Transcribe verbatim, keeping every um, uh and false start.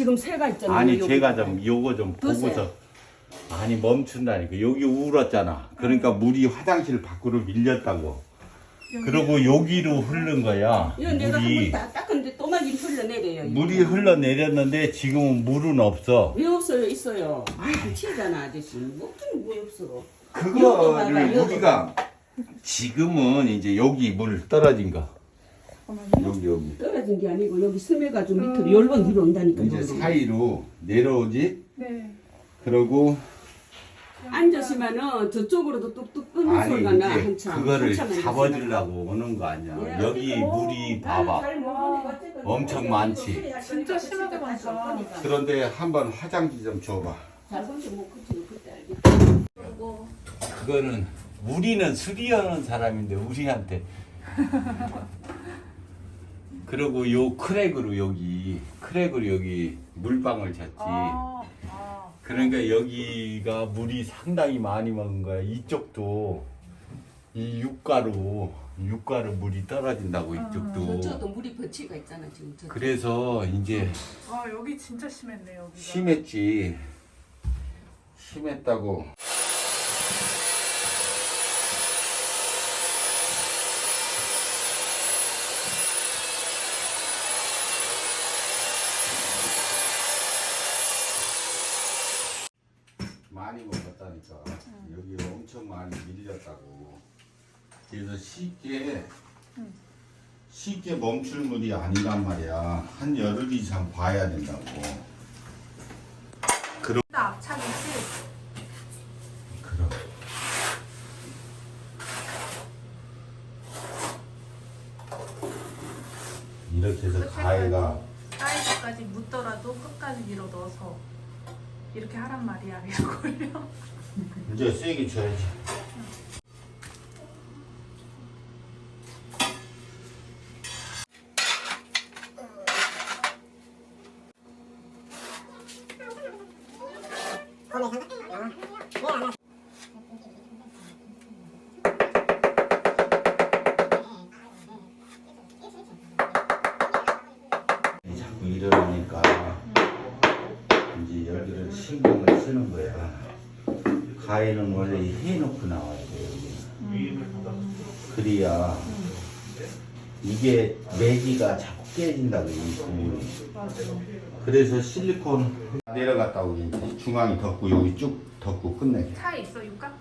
지금 새가 있잖아요. 아니 여기. 제가 좀 요거 좀 더 세. 보고서 아니 멈춘다니까. 여기 울었잖아. 그러니까 물이 화장실 밖으로 밀렸다고. 그리고 여기로 흐른 거야. 이거 내가 물이 한번 다 닦았는데 또 막 흘러내려요. 이거. 물이 흘러내렸는데 지금은 물은 없어. 왜 없어요? 있어요. 물 튀잖아 아저씨. 뭐든 왜 없어? 그거를 우리가 지금은 이제 여기 물 떨어진 거. 여기 여기 떨어진 게 아니고 여기 스며가지고 밑으로 열번 뒤로 온다니까. 이제 사이로 내려오지. 네. 그러고 앉으시면은 저쪽으로도 뚝뚝 끄는 아니 소리가 나 이제 한참. 그거를 한참 잡아주려고 오는 거 아니야. 예, 여기 물이 봐봐. 엄청 많지. 진짜 심하게 많다. 그런데 한번 화장지 좀 줘봐. 잘 본지 못 그치고 그때 알겠지. 그리고 그거는 우리는 수리하는 사람인데 우리한테. 그리고 요 크랙으로 여기 크랙으로 여기 물방울 쳤지. 아, 아. 그러니까 여기가 물이 상당히 많이 먹은 거야. 이쪽도 이 육가로 육가로 물이 떨어진다고 이쪽도. 저쪽도 물이 버치가 있잖아 지금. 저쪽. 그래서 이제 아, 여기 진짜 심했네, 여기가. 심했지. 심했다고. 많이 먹었다니까. 여기 엄청 많이 밀렸다고. 그래서 쉽게 쉽게 멈출 물이 아니란 말이야. 한 열흘 이상 봐야 된다고. 그럼 나 앞차겠지? 그럼 이렇게 해서 가해가 사이즈까지 묻더라도 끝까지 밀어 넣어서 이렇게 하란 말이야, 이걸요. 이제 세게 줘야지. 자꾸 이러니까 이제 여기를 신경을 쓰는 거야. 가위는 원래 해놓고 나와야 돼. 그래야 이게 매기가 자꾸 깨진다고 이 부분이. 그래서 실리콘 내려갔다고 이제 중앙이 덮고 여기 쭉 덮고 끝내. 차에 있어, 육각?